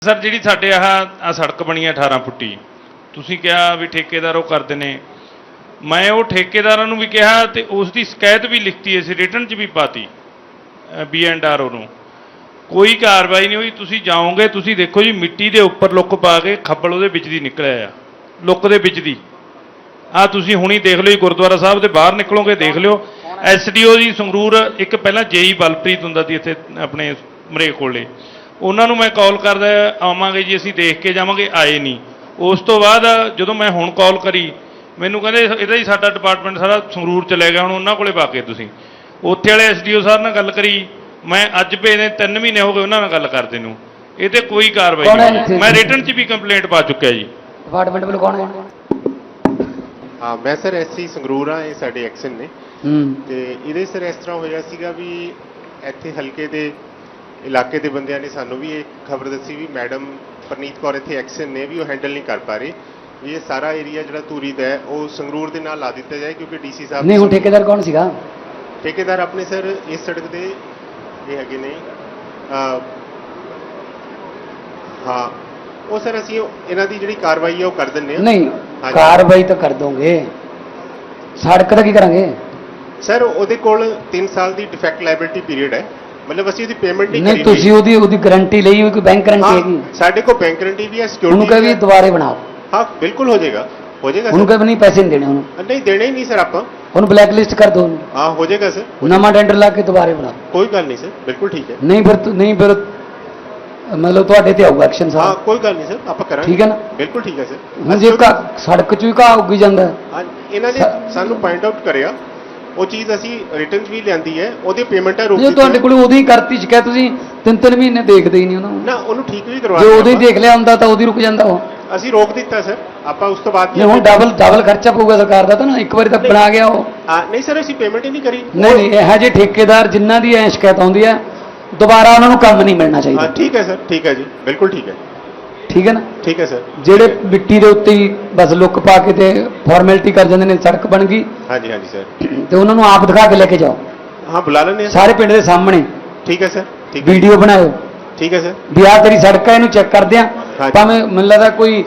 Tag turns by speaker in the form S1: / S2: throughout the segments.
S1: Sir जी साढ़े आ सड़क बनी है 18 फुटी तुसीं कहा भी ठेकेदार वो करते हैं मैं वो ठेकेदारां नूं भी कहा तो उसकी शिकायत भी लिखती है रिटन च भी पाती BNRO नूं कोई कार्रवाई नहीं हुई। तुसीं जाओगे तुसीं देखो जी मिट्टी के उपर लुक पा के खब्बल उहदे विच दी निकलिया लुक दे विच दी आ तुसीं हुणी देख लो जी गुरुद्वारा साहब दे बाहर निकलोगे देख लिओ। SDO जी संगरूर एक पहला JE बलप्रीत हुंदा सी इत्थे अपने मरेक कोले उन्होंने मैं कॉल करदा आवांगे जी असीं देख के जावांगे आए नहीं। उस तो बाद जदों मैं हुण कॉल करी मैनूं कहंदे इहदा ही साडा डिपार्टमेंट सारा संगरूर चले गया हुण उन्हां कोले पा के तुसीं उत्थे वाले SDO साहब नाल गल करी मैं अज भेजे 3 महीने हो गए उन्हां नाल गल करदे नूं ये ते कोई कार्रवाई नहीं। मैं रिटन च भी कंप्लेंट पा चुकिया जी।
S2: डिपार्टमेंट वालों कौन है?
S3: हाँ मैं सर SC संगरूर हाँ ये साडे एक्शन ने ते इहदे सर इस तरह होया सीगा भी इत्थे हलके दे इलाके के बंदियां ने सानू भी एक खबर दसी भी मैडम परनीत कौर इत्थे एक्शन ने भी वो हैंडल नहीं कर पा रहे ये सारा एरिया जो धूरी का है वो संगरूर के नाल ला दिता जाए क्योंकि DC साहब
S2: नहीं हुण ठेकेदार कौन सीगा?
S3: ठेकेदार अपने सर इस सड़क के ये है ने हाँ वो सर असीं इन्हां दी जिहड़ी कार्रवाई है वो कर दिंदे हां।
S2: नहीं कार्रवाई तो कर दोगे सड़क का की करांगे?
S3: सर ਉਹਦੇ ਕੋਲ 3 ਸਾਲ ਦੀ ਡਿਫੈਕਟ ਲਾਇਬਿਲਿਟੀ ਪੀਰੀਅਡ ਹੈ मतलब ਅਸੀਂ ਉਹਦੀ ਪੇਮੈਂਟ ਨਹੀਂ
S2: नहीं तुसी ਉਹਦੀ ਗਾਰੰਟੀ ਲਈ ਹੋਈ ਕੋਈ ਬੈਂਕ ਗਾਰੰਟੀ ਹੈਗੀ?
S3: ਸਾਡੇ ਕੋਲ ਬੈਂਕ ਗਾਰੰਟੀ ਵੀ ਹੈ
S2: ਉਹਨੂੰ
S3: ਸਿਕਿਉਰਿਟੀ
S2: ਕਹੇ ਵੀ ਦੁਬਾਰੇ ਬਣਾਓ।
S3: हाँ बिल्कुल हो जाएगा
S2: ਉਹਨੂੰ ਕਹੇ ਵੀ ਨਹੀਂ ਪੈਸੇ ਨਹੀਂ ਦੇਣੇ ਉਹਨੂੰ
S3: नहीं देने ही नहीं सर आप
S2: ਉਹਨੂੰ ਬਲੈਕ ਲਿਸਟ ਕਰ ਦੋ
S3: हाँ हो जाएगा सर
S2: ਨਵਾਂ ਟੈਂਡਰ ਲਾ ਕੇ ਦੁਬਾਰੇ ਬਣਾਓ।
S3: कोई गल नहीं सर बिल्कुल ठीक है
S2: ਨਹੀਂ ਫਿਰ मतलब ਤੁਹਾਡੇ ਤੇ ਆਊਗਾ ਐਕਸ਼ਨ
S3: हाँ
S2: ਸਾਹਿਬ
S3: कोई गल नहीं सर आप करांगे
S2: ठीक है ना?
S3: बिल्कुल ठीक है सर
S2: ਹੁਣ ਜੇ ਸੜਕ ਚ ਵੀ ਘਾਹ ਉੱਗੀ ਜਾਂਦਾ
S3: हाँ ਇਹਨਾਂ ਨੇ ਸਾਨੂੰ ਪੁਆਇੰਟ ਆਊਟ ਕਰਿਆ ਉਹ ਚੀਜ਼ ਅਸੀਂ ਰਿਟਰਨ ਵੀ ਲਿਆਂਦੀ ਹੈ ਉਹਦੀ ਪੇਮੈਂਟ ਹੈ ਰੋਕ
S2: ਜੇ ਤੁਹਾਡੇ ਕੋਲ ਉਦੋਂ ਹੀ ਕਰਤੀ ਸ਼ਿਕਾਇਤ ਤੁਸੀਂ 3-3 ਮਹੀਨੇ ਦੇਖਦੇ ਹੀ ਨਹੀਂ ਉਹਨਾਂ ਨੂੰ
S3: ਨਾ ਉਹਨੂੰ ਠੀਕ ਵੀ
S2: ਜੇ
S3: ਕਰਵਾ
S2: ਉਦੋਂ ਹੀ ਦੇਖ ਲਿਆ ਹੁੰਦਾ ਤਾਂ ਉਦੋਂ ਹੀ ਰੁਕ ਜਾਂਦਾ ਉਹ
S3: ਅਸੀਂ ਰੋਕ ਦਿੱਤਾ ਸਰ ਆਪਾਂ ਉਸ ਤੋਂ ਬਾਅਦ
S2: ਜੇ ਹੁਣ ਡਬਲ ਖਰਚਾ ਪਊਗਾ ਸਰਕਾਰ ਦਾ ਤਾਂ ਨਾ ਇੱਕ ਵਾਰੀ ਤਾਂ ਬਣਾ ਗਿਆ ਉਹ
S3: ਨਹੀਂ ਸਰ ਅਸੀਂ ਪੇਮੈਂਟ ਹੀ ਨਹੀਂ ਕਰੀ
S2: ਨਹੀਂ ਇਹੋ ਜਿਹੇ ਠੇਕੇਦਾਰ ਜਿਨ੍ਹਾਂ ਦੀ ਐ ਸ਼ਿਕਾਇਤ ਆਉਂਦੀ ਹੈ ਦੁਬਾਰਾ ਉਹਨਾਂ ਨੂੰ ਕੰਮ ਨਹੀਂ ਮਿਲਣਾ ਚਾਹੀਦਾ।
S3: ਹਾਂ ਠੀਕ ਹੈ ਸਰ ਠੀਕ ਹੈ ਜੀ ਬਿਲਕੁਲ ਠੀਕ ਹੈ
S2: ਠੀਕ ਹੈ ਨਾ?
S3: ਠੀਕ ਹੈ ਸਰ
S2: ਜਿਹੜੇ ਮਿੱਟੀ ਦੇ ਉੱਤੇ ਹੀ ਬਸ ਲੁੱਕ ਪਾ ਕੇ ਤੇ ਫਾਰਮੈਲਿਟੀ ਕਰ ਜਾਂਦੇ ਨੇ ਸੜਕ ਬਣ ਗਈ
S3: ਹਾਂਜੀ ਹਾਂਜੀ ਸਰ
S2: ਤੇ ਉਹਨਾਂ ਨੂੰ ਆਪ ਦਿਖਾ ਕੇ ਲੈ ਕੇ ਜਾਓ
S3: ਹਾਂ ਬੁਲਾ ਲੈਂਦੇ ਹਾਂ
S2: ਸਾਰੇ ਪਿੰਡ ਦੇ ਸਾਹਮਣੇ
S3: ਠੀਕ ਹੈ ਸਰ ਠੀਕ ਹੈ
S2: ਵੀਡੀਓ ਬਣਾਓ
S3: ਠੀਕ ਹੈ ਸਰ
S2: ਵੀ ਆਹ ਤੇਰੀ ਸੜਕ ਹੈ ਇਹਨੂੰ ਚੈੱਕ ਕਰਦੇ ਆ
S3: ਹਾਂਜੀ।
S2: ਭਾਵੇਂ ਮੈਨੂੰ ਲੱਗਦਾ ਕੋਈ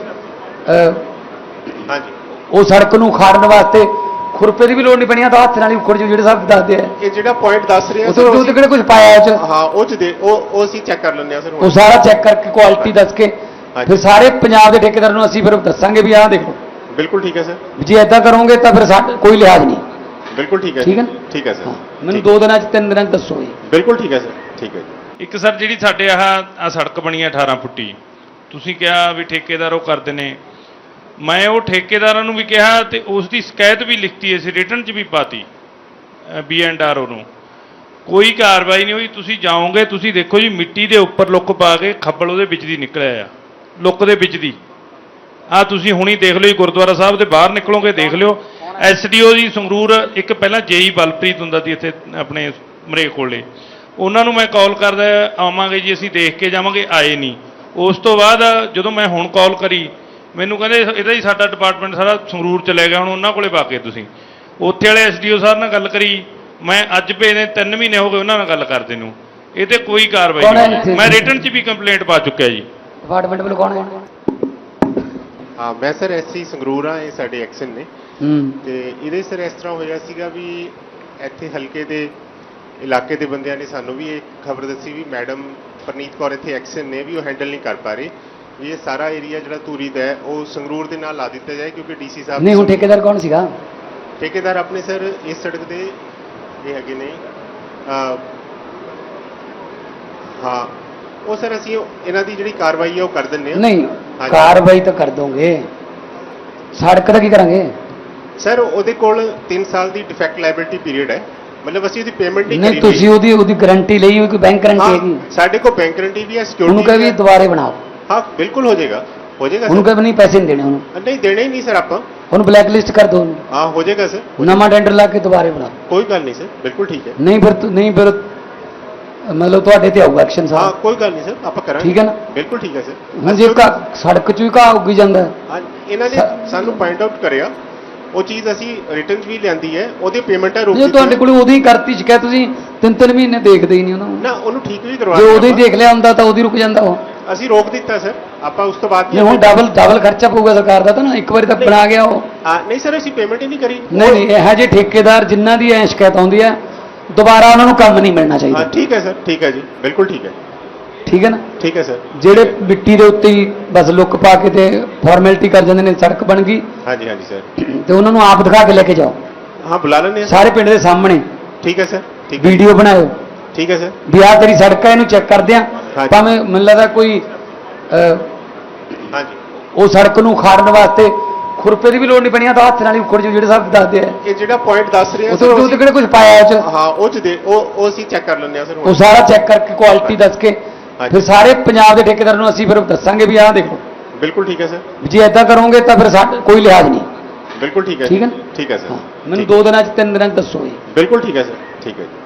S3: ਹਾਂਜੀ
S2: ਉਹ ਸੜਕ ਨੂੰ ਖਾੜਨ ਵਾਸਤੇ ਖੁਰਪੇ ਦੀ ਵੀ ਲੋੜ ਨਹੀਂ ਪਣੀ ਆ ਤਾਂ ਹੱਥ ਨਾਲ ਹੀ ਉਖੜ ਜੋ ਜਿਹੜੇ ਸਾਹਿਬ ਦੱਸਦੇ ਆ
S3: ਇਹ ਜਿਹੜਾ ਪੁਆਇੰਟ ਦੱਸ ਰਹੇ ਆ
S2: ਉਸ ਤੋਂ ਕਿਹੜੇ ਕੁਝ ਪਾਇਆ ਉਹ ਚ
S3: ਹਾਂ ਉਹ ਚ ਦੇ ਉਹ ਅਸੀਂ ਚੈੱਕ ਕਰ ਲੈਂਦੇ ਆ ਸਰ
S2: ਉਹ ਸਾਰਾ ਚੈੱਕ ਕਰਕੇ ਕੁਆਲਿਟੀ ਦੱਸ ਕੇ
S3: ਹਾਂਜੀ।
S2: ਫਿਰ ਸਾਰੇ ਪੰਜਾਬ ਦੇ ਠੇਕੇਦਾਰ ਨੂੰ ਅਸੀਂ ਫਿਰ ਦੱਸਾਂਗੇ ਵੀ ਆਹ ਦੇਖੋ
S3: ਬਿਲਕੁਲ ਠੀਕ ਹੈ ਸਰ
S2: ਜੇ ਐਦਾਂ ਕਰੋਗੇ ਤਾਂ ਫਿਰ ਸਾਡਾ ਕੋਈ ਲਿਹਾਜ਼ ਨਹੀਂ।
S3: ਬਿਲਕੁਲ ਠੀਕ ਹੈ
S2: ਠੀਕ ਹੈ ਨਾ?
S3: ਠੀਕ ਹੈ ਸਰ
S2: ਮੈਨੂੰ 2 ਦਿਨਾਂ ਚ 3 ਦਿਨਾਂ ਚ ਦੱਸੋ ਜੀ।
S3: ਬਿਲਕੁਲ ਠੀਕ ਹੈ ਸਰ ਠੀਕ ਹੈ ਜੀ।
S1: एक सर जी साढ़े आ सड़क बनी है 18 फुटी तुसीं कहा भी ठेकेदार वो करते हैं मैं वो ठेकेदारां नूं भी कहा तो उसकी शिकायत भी लिखती है रिटन च भी पाती BNRO नूं कोई कार्रवाई नहीं हुई। तुसीं जाओगे तुसीं देखो जी मिट्टी के उपर लुक पा के खब्बल उहदे विच दी निकलिया लुक दे विच दी आ तुसीं हुणी देख लो जी गुरुद्वारा साहब दे बाहर निकलोगे देख लिओ। SDO जी संगरूर एक पहला JE बलप्रीत हुंदा सी इत्थे अपने मरेक कोले उन्होंने मैं कॉल करदा आवांगे जी असीं देख के जावांगे आए नहीं। उस तो बाद जदों मैं हुण कॉल करी मैनूं कहंदे इहदा ही साडा डिपार्टमेंट सारा संगरूर चले गया हुण उन्हां कोले पा के तुसीं उत्थे वाले SDO साहब नाल गल करी मैं अज भेजे 3 महीने हो गए उन्हां नाल गल करदे नूं ये ते कोई कार्रवाई नहीं। मैं रिटन च भी कंप्लेंट पा चुकिया जी।
S2: डिपार्टमेंट वालों कौन है?
S3: हाँ मैं सर SC संगरूर हाँ ये साडे एक्शन ने ते इहदे सर इस तरह होया सीगा भी ਇੱਥੇ ਹਲਕੇ ਦੇ ਇਲਾਕੇ ਦੇ ਬੰਦਿਆਂ ਨੇ ਸਾਨੂੰ ਵੀ ਇੱਕ ਖਬਰ ਦੱਸੀ ਵੀ ਮੈਡਮ ਪਰਨੀਤ ਕੌਰ ਇੱਥੇ ਐਕਸ਼ਨ ਨੇ ਵੀ ਉਹ ਹੈਂਡਲ ਨਹੀਂ ਕਰ ਪਾ ਰਹੇ ਵੀ ਇਹ ਸਾਰਾ ਏਰੀਆ ਜਿਹੜਾ ਧੂਰੀ ਦਾ ਹੈ ਉਹ ਸੰਗਰੂਰ ਦੇ ਨਾਲ ਲਾ ਦਿੱਤਾ ਜਾਏ ਕਿਉਂਕਿ DC ਸਾਹਿਬ
S2: ਨਹੀਂ ਹੁਣ ਠੇਕੇਦਾਰ ਕੌਣ ਸੀਗਾ?
S3: ਠੇਕੇਦਾਰ ਆਪਣੇ ਸਰ ਇਸ ਸੜਕ ਦੇ ਇਹ ਹੈਗੇ ਨੇ ਹਾਂ ਉਹ ਸਰ ਅਸੀਂ ਇਹਨਾਂ ਦੀ ਜਿਹੜੀ ਕਾਰਵਾਈ ਹੈ ਉਹ ਕਰ ਦਿੰਦੇ ਹਾਂ।
S2: ਨਹੀਂ ਕਾਰਵਾਈ ਤਾਂ ਕਰ ਦੋਗੇ ਸੜਕ ਦਾ ਕੀ ਕਰਾਂਗੇ?
S3: ਸਰ ਉਹਦੇ ਕੋਲ 3 ਸਾਲ ਦੀ ਡਿਫੈਕਟ ਲਾਇਬਿਲਿਟੀ ਪੀਰੀਅਡ ਹੈ मतलब ਅਸੀਂ ਉਹਦੀ ਪੇਮੈਂਟ ਨਹੀਂ
S2: ਨਹੀਂ ਤੁਸੀਂ ਉਹਦੀ ਗਾਰੰਟੀ ਲਈ ਹੋਈ ਕੋਈ ਬੈਂਕ ਗਾਰੰਟੀ ਹੈਗੀ?
S3: ਸਾਡੇ ਕੋਲ ਬੈਂਕ ਗਾਰੰਟੀ ਵੀ ਹੈ ਸਿਕਿਉਰਿਟੀ
S2: ਉਹਨੂੰ ਕਹੇ ਵੀ ਦੁਬਾਰੇ ਬਣਾਓ।
S3: ਹਾਂ ਬਿਲਕੁਲ ਹੋ ਜਾਏਗਾ
S2: ਉਹਨੂੰ ਕਹੇ ਨਹੀਂ ਪੈਸੇ ਨਹੀਂ ਦੇਣੇ ਉਹਨੂੰ
S3: ਨਹੀਂ ਦੇਣੇ ਹੀ ਨਹੀਂ ਸਰ ਆਪਾਂ
S2: ਉਹਨੂੰ ਬਲੈਕ ਲਿਸਟ ਕਰ ਦੋ
S3: ਹਾਂ ਹੋ ਜਾਏਗਾ ਸਰ
S2: ਨਵਾਂ ਟੈਂਡਰ ਲਾ ਕੇ ਦੁਬਾਰੇ ਬਣਾਓ।
S3: ਕੋਈ ਗੱਲ ਨਹੀਂ ਸਰ ਬਿਲਕੁਲ ਠੀਕ ਹੈ
S2: ਨਹੀਂ ਫਿਰ मतलब ਤੁਹਾਡੇ ਤੇ ਆਊਗਾ ਐਕਸ਼ਨ
S3: ਹਾਂ
S2: ਸਾਹਿਬ
S3: ਕੋਈ ਗੱਲ ਨਹੀਂ ਸਰ ਆਪਾਂ ਕਰਾਂਗੇ
S2: ਠੀਕ ਹੈ ਨਾ?
S3: ਬਿਲਕੁਲ ਠੀਕ ਹੈ ਸਰ
S2: ਹੁਣ ਜੇ ਸੜਕ ਚ ਵੀ ਘਾਹ ਉੱਗੀ ਜਾਂਦਾ
S3: ਹਾਂ ਇਹਨਾਂ ਨੇ ਸਾਨੂੰ ਪੁਆਇੰਟ ਆਊਟ ਕਰਿਆ ਉਹ ਚੀਜ਼ ਅਸੀਂ ਰਿਟਰਨ ਵੀ ਲਿਆਂਦੀ ਹੈ ਉਹਦੀ ਪੇਮੈਂਟ ਹੈ ਰੋਕ
S2: ਜੇ ਤੁਹਾਡੇ ਕੋਲ ਉਦੋਂ ਹੀ ਕਰਤੀ ਸ਼ਿਕਾਇਤ ਤੁਸੀਂ 3-3 ਮਹੀਨੇ ਦੇਖਦੇ ਹੀ ਨਹੀਂ ਉਹਨਾਂ ਨੂੰ
S3: ਨਾ ਉਹਨੂੰ ਠੀਕ ਵੀ ਕਰਵਾ
S2: ਜੇ ਉਦੋਂ ਹੀ ਦੇਖ ਲਿਆ ਹੁੰਦਾ ਤਾਂ ਉਦੋਂ ਹੀ ਰੁਕ ਜਾਂਦਾ ਉਹ
S3: ਅਸੀਂ ਰੋਕ ਦਿੱਤਾ ਸਰ, ਆਪਾਂ ਉਸ ਤੋਂ ਬਾਅਦ
S2: ਨਹੀਂ ਹੁਣ ਡਬਲ ਖਰਚਾ ਪਊਗਾ ਸਰਕਾਰ ਦਾ ਤਾਂ ਨਾ, ਇੱਕ ਵਾਰੀ ਤਾਂ ਬਣਾ ਗਿਆ ਉਹ।
S3: ਨਹੀਂ ਸਰ, ਅਸੀਂ ਪੇਮੈਂਟ ਹੀ ਨਹੀਂ ਕਰੀ।
S2: ਨਹੀਂ ਇਹੋ ਜਿਹੇ ਠੇਕੇਦਾਰ ਜਿਨ੍ਹਾਂ ਦੀ ਐ ਸ਼ਿਕਾਇਤ ਆਉਂਦੀ ਹੈ ਦੁਬਾਰਾ ਉਹਨਾਂ ਨੂੰ ਕੰਮ ਨਹੀਂ ਮਿਲਣਾ ਚਾਹੀਦਾ।
S3: ਠੀਕ ਹੈ ਸਰ, ਠੀਕ ਹੈ ਜੀ, ਬਿਲਕੁਲ ਠੀਕ ਹੈ।
S2: ਠੀਕ ਹੈ ਨਾ?
S3: ਠੀਕ ਹੈ ਸਰ।
S2: ਜਿਹੜੇ ਮਿੱਟੀ ਦੇ ਉੱਤੇ ਹੀ ਬਸ ਲੁੱਕ ਪਾ ਕੇ ਤੇ ਫਾਰਮੈਲਿਟੀ ਕਰ ਜਾਂਦੇ ਨੇ, ਸੜਕ ਬਣ ਗਈ
S3: ਹਾਂਜੀ ਹਾਂਜੀ ਸਰ।
S2: ਤੇ ਉਹਨਾਂ ਨੂੰ ਆਪ ਦਿਖਾ ਕੇ ਲੈ ਕੇ ਜਾਓ।
S3: ਹਾਂ ਬੁਲਾ ਲੈਂਦੇ ਹਾਂ
S2: ਸਾਰੇ ਪਿੰਡ ਦੇ ਸਾਹਮਣੇ
S3: ਠੀਕ ਹੈ ਸਰ, ਠੀਕ ਹੈ,
S2: ਵੀਡੀਓ ਬਣਾਓ
S3: ਠੀਕ ਹੈ ਸਰ।
S2: ਵੀ ਆਹ ਤੇਰੀ ਸੜਕ ਹੈ, ਇਹਨੂੰ ਚੈੱਕ ਕਰਦੇ ਆ।
S3: ਹਾਂਜੀ।
S2: ਭਾਵੇਂ ਮੈਨੂੰ ਲੱਗਦਾ ਕੋਈ
S3: ਹਾਂਜੀ,
S2: ਉਹ ਸੜਕ ਨੂੰ ਖਾੜਨ ਵਾਸਤੇ ਖੁਰਪੇ ਦੀ ਵੀ ਲੋੜ ਨਹੀਂ ਪਣੀ, ਤਾਂ ਹੱਥ ਨਾਲ ਹੀ ਉਖੜ ਜਾਓ ਜਿਹੜੇ ਸਾਹਿਬ ਦੱਸਦੇ ਆ।
S3: ਇਹ ਜਿਹੜਾ ਪੁਆਇੰਟ ਦੱਸ ਰਹੇ ਆ
S2: ਉਹ ਤੋਂ ਕਿਹੜੇ ਕੁਝ ਪਾਇਆ ਉਹ ਚ?
S3: ਹਾਂ ਉਹ ਚ ਦੇ ਉਹ ਅਸੀਂ ਚੈੱਕ ਕਰ ਲੈਂਦੇ ਆ ਸਰ।
S2: ਉਹ ਸਾਰਾ ਚੈੱਕ ਕਰਕੇ ਕੁਆਲਿਟੀ ਦੱਸ ਕੇ ਫਿਰ ਸਾਰੇ ਪੰਜਾਬ ਦੇ ਠੇਕੇਦਾਰ ਨੂੰ ਅਸੀਂ ਫਿਰ ਦੱਸਾਂਗੇ ਵੀ ਆਹ ਦੇਖੋ।
S3: ਬਿਲਕੁਲ ਠੀਕ ਹੈ ਸਰ।
S2: ਜੇ ਐਦਾਂ ਕਰੋਗੇ ਤਾਂ ਫਿਰ ਸਾਡਾ ਕੋਈ ਲਿਹਾਜ਼ ਨਹੀਂ।
S3: ਬਿਲਕੁਲ ਠੀਕ ਹੈ।
S2: ਠੀਕ ਹੈ ਨਾ?
S3: ਠੀਕ ਹੈ ਸਰ।
S2: ਮੈਨੂੰ 2 ਦਿਨਾਂ ਚ 3 ਦਿਨਾਂ ਚ ਦੱਸੋ ਜੀ।
S3: ਬਿਲਕੁਲ ਠੀਕ ਹੈ ਸਰ, ਠੀਕ ਹੈ ਜੀ।